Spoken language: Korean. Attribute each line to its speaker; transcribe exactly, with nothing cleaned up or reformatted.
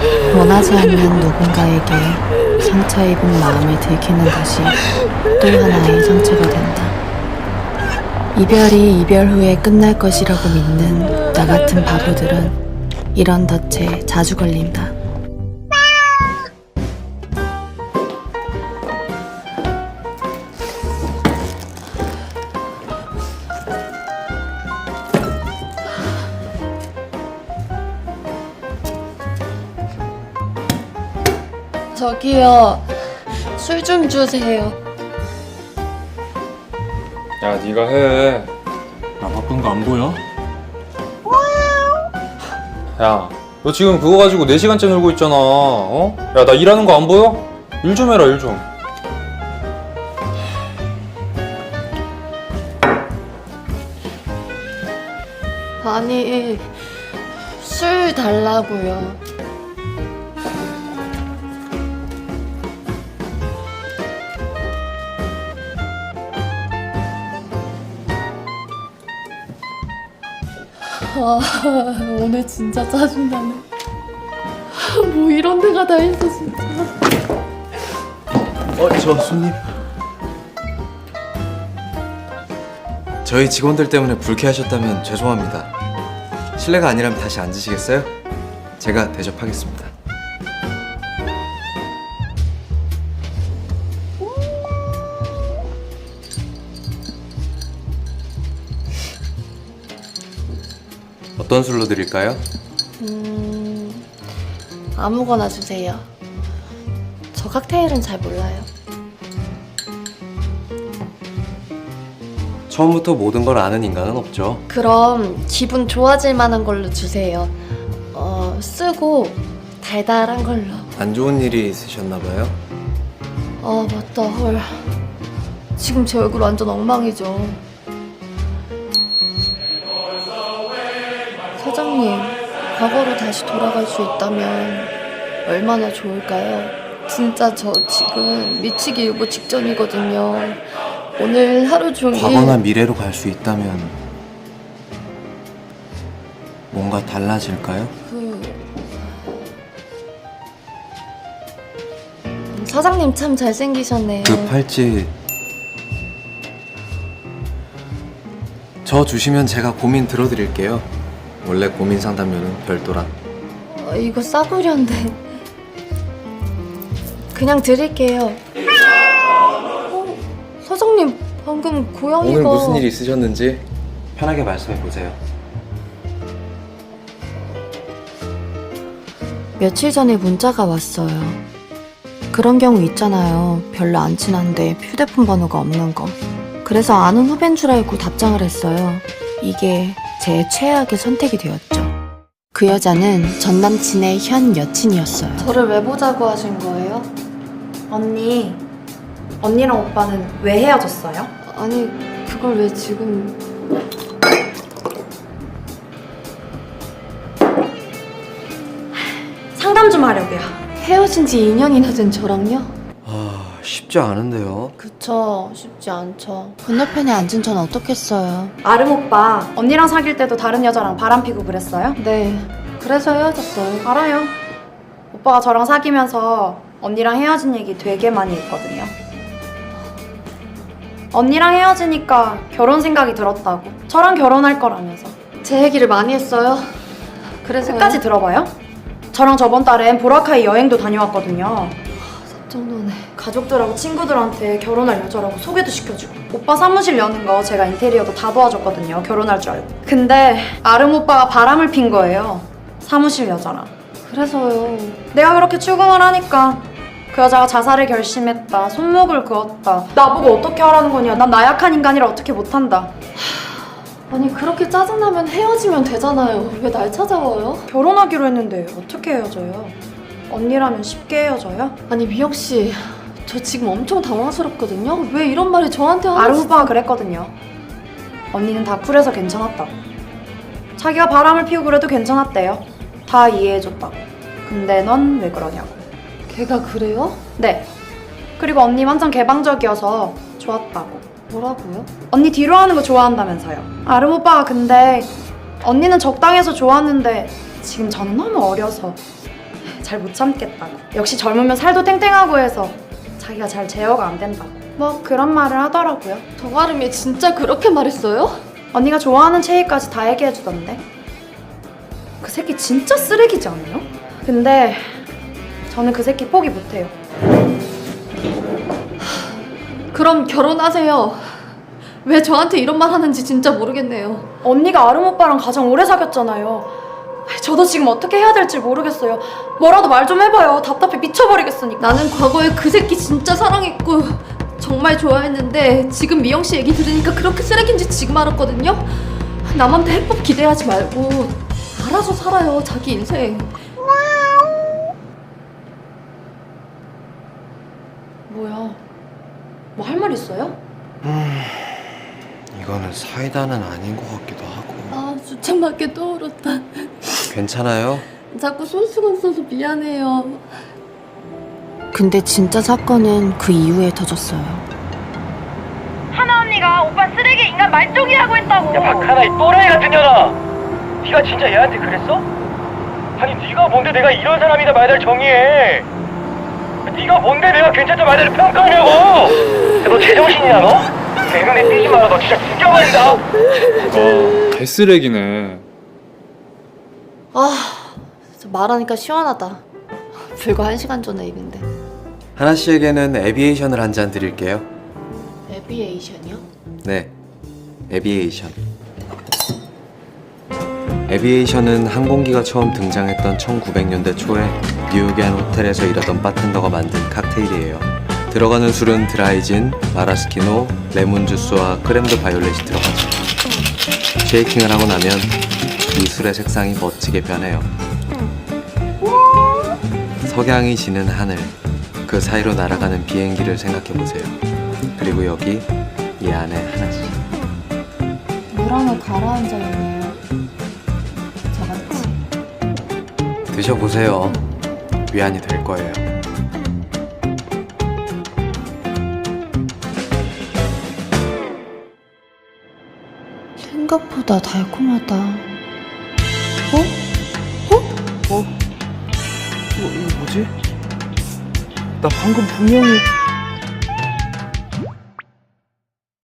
Speaker 1: 원하지 않는 누군가에게 상처 입은 마음을 들키는 것이 또 하나의 상처가 된다. 이별이 이별 후에 끝날 것이라고 믿는 나 같은 바보들은 이런 덫에 자주 걸린다. 저기요, 술 좀 주세요.
Speaker 2: 야, 네가 해.
Speaker 3: 나 바쁜 거 안 보여?
Speaker 2: 야, 너 지금 그거 가지고 네 시간째 놀고 있잖아. 어? 야, 나 일하는 거 안 보여? 일 좀 해라, 일 좀.
Speaker 1: 아니, 술 달라고요. 아, 오늘 진짜 짜증나네. 뭐 이런 데가 다 있어 진짜.
Speaker 4: 어, 저 손님. 저희 직원들 때문에 불쾌하셨다면 죄송합니다. 실례가 아니라면 다시 앉으시겠어요? 제가 대접하겠습니다. 어떤 술로 드릴까요?
Speaker 1: 음, 아무거나 주세요. 저 칵테일은 잘 몰라요.
Speaker 4: 처음부터 모든 걸 아는 인간은 없죠.
Speaker 1: 그럼 기분 좋아질 만한 걸로 주세요. 어, 쓰고 달달한 걸로.
Speaker 4: 안 좋은 일이 있으셨나 봐요.
Speaker 1: 아, 맞다. 헐. 지금 제 얼굴 완전 엉망이죠. 사장님, 과거로 다시 돌아갈 수 있다면 얼마나 좋을까요? 진짜 저 지금 미치기 일보 직전이거든요. 오늘 하루 종일
Speaker 4: 과거나 미래로 갈 수 있다면 뭔가 달라질까요?
Speaker 1: 그... 사장님 참 잘생기셨네요.
Speaker 4: 그 팔찌 저 주시면 제가 고민 들어드릴게요. 원래 고민 상담료는 별도라.
Speaker 1: 어, 이거 싸구려인데 그냥 드릴게요. 어, 사장님 방금 고양이가
Speaker 4: 오늘 무슨 일이 있으셨는지 편하게 말씀해 보세요.
Speaker 1: 며칠 전에 문자가 왔어요. 그런 경우 있잖아요. 별로 안 친한데 휴대폰 번호가 없는 거. 그래서 아는 후배인 줄 알고 답장을 했어요. 이게 제 최악의 선택이 되었죠. 그 여자는 전 남친의 현 여친이었어요. 저를 왜 보자고 하신 거예요?
Speaker 5: 언니, 언니랑 오빠는 왜 헤어졌어요?
Speaker 1: 아니, 그걸 왜 지금...
Speaker 5: 상담 좀 하려고요.
Speaker 1: 헤어진 지 이 년이나 된 저랑요?
Speaker 4: 아, 쉽지 않은데요.
Speaker 1: 그쵸, 쉽지 않죠. 건너편에 앉은 전 어떻겠어요.
Speaker 5: 아름 오빠, 언니랑 사귈 때도 다른 여자랑 바람 피고 그랬어요?
Speaker 1: 네, 그래서 헤어졌어요.
Speaker 5: 알아요. 오빠가 저랑 사귀면서 언니랑 헤어진 얘기 되게 많이 했거든요. 언니랑 헤어지니까 결혼 생각이 들었다고. 저랑 결혼할 거라면서.
Speaker 1: 제 얘기를 많이 했어요. 그래서
Speaker 5: 끝까지 들어봐요. 저랑 저번 달엔 보라카이 여행도 다녀왔거든요.
Speaker 1: 정도네.
Speaker 5: 가족들하고 친구들한테 결혼할 여자라고 소개도 시켜주고 오빠 사무실 여는 거 제가 인테리어도 다 도와줬거든요. 결혼할 줄 알고. 근데 아름 오빠가 바람을 핀 거예요. 사무실 여자랑.
Speaker 1: 그래서요.
Speaker 5: 내가 그렇게 추궁을 하니까 그 여자가 자살을 결심했다, 손목을 그었다, 나보고 어떻게 하라는 거냐, 난 나약한 인간이라 어떻게 못한다.
Speaker 1: 아니, 그렇게 짜증나면 헤어지면 되잖아요. 왜 날 찾아와요?
Speaker 5: 결혼하기로 했는데 어떻게 헤어져요? 언니라면 쉽게 헤어져요?
Speaker 1: 아니, 미영씨, 저 지금 엄청 당황스럽거든요. 왜 이런 말이 저한테 하는...
Speaker 5: 아름 오빠가 그랬거든요. 언니는 다 쿨해서 괜찮았다고. 자기가 바람을 피우고 그래도 괜찮았대요. 다 이해해줬다고. 근데 넌 왜 그러냐고.
Speaker 1: 걔가 그래요?
Speaker 5: 네. 그리고 언니 완전 개방적이어서 좋았다고.
Speaker 1: 뭐라고요?
Speaker 5: 언니 뒤로 하는 거 좋아한다면서요. 아름 오빠가 근데 언니는 적당해서 좋았는데 지금 저는 너무 어려서 잘 못 참겠다고. 역시 젊으면 살도 탱탱하고 해서 자기가 잘 제어가 안 된다고. 뭐 그런 말을 하더라고요.
Speaker 1: 정아름이 진짜 그렇게 말했어요?
Speaker 5: 언니가 좋아하는 체이까지 다 얘기해주던데. 그 새끼 진짜 쓰레기지 않아요? 근데 저는 그 새끼 포기 못해요.
Speaker 1: 그럼 결혼하세요. 왜 저한테 이런 말 하는지 진짜 모르겠네요.
Speaker 5: 언니가 아름 오빠랑 가장 오래 사귀었잖아요. 저도 지금 어떻게 해야 될지 모르겠어요. 뭐라도 말 좀 해봐요. 답답해 미쳐버리겠으니까.
Speaker 1: 나는 과거에 그 새끼 진짜 사랑했고 정말 좋아했는데 지금 미영 씨 얘기 들으니까 그렇게 쓰레기인지 지금 알았거든요. 남한테 해법 기대하지 말고 알아서 살아요, 자기 인생.
Speaker 5: 뭐야? 뭐 할 말 있어요?
Speaker 4: 이거는 사이다는 아닌 것 같기도 하고.
Speaker 1: 아, 주책맞게 떠오르다.
Speaker 4: 괜찮아요?
Speaker 1: 자꾸 손수건 써서 미안해요. 근데 진짜 사건은 그 이후에 터졌어요.
Speaker 6: 하나 언니가 오빠 쓰레기 인간 말종이라고 했다고.
Speaker 7: 야 박하나 이 또라이 같은 년아, 네가 진짜 얘한테 그랬어? 아니 네가 뭔데 내가 이런 사람이다 말들 정의해. 네가 뭔데 내가 괜찮다 말들 평가하냐고. 야, 너 제정신이야 너? 대면에 뛰지 마라. 너 진짜 죽여버린다.
Speaker 2: 아, 개쓰레기네.
Speaker 1: 아, 진짜 말하니까 시원하다. 불과 한 시간 전에 일인데.
Speaker 4: 하나 씨에게는 에비에이션을 한 잔 드릴게요.
Speaker 1: 에비에이션이요?
Speaker 4: 네, 에비에이션. 에비에이션은 항공기가 처음 등장했던 천구백 년대 초에 뉴욕의 한 호텔에서 일하던 바텐더가 만든 칵테일이에요. 들어가는 술은 드라이진, 마라스키노, 레몬주스와 크렘드 바이올렛이 들어가죠. 쉐이킹을 하고 나면 이 술의 색상이 멋지게 변해요. 석양이 지는 하늘, 그 사이로 날아가는 비행기를 생각해보세요. 그리고 여기 이 안에 하나씩.
Speaker 1: 물안에 가라앉아 있네요. 저같이.
Speaker 4: 드셔보세요. 위안이 될 거예요.
Speaker 1: 생각보다 달콤하다. 어?
Speaker 4: 어? 이거, 이거 뭐지? 나 방금 분명히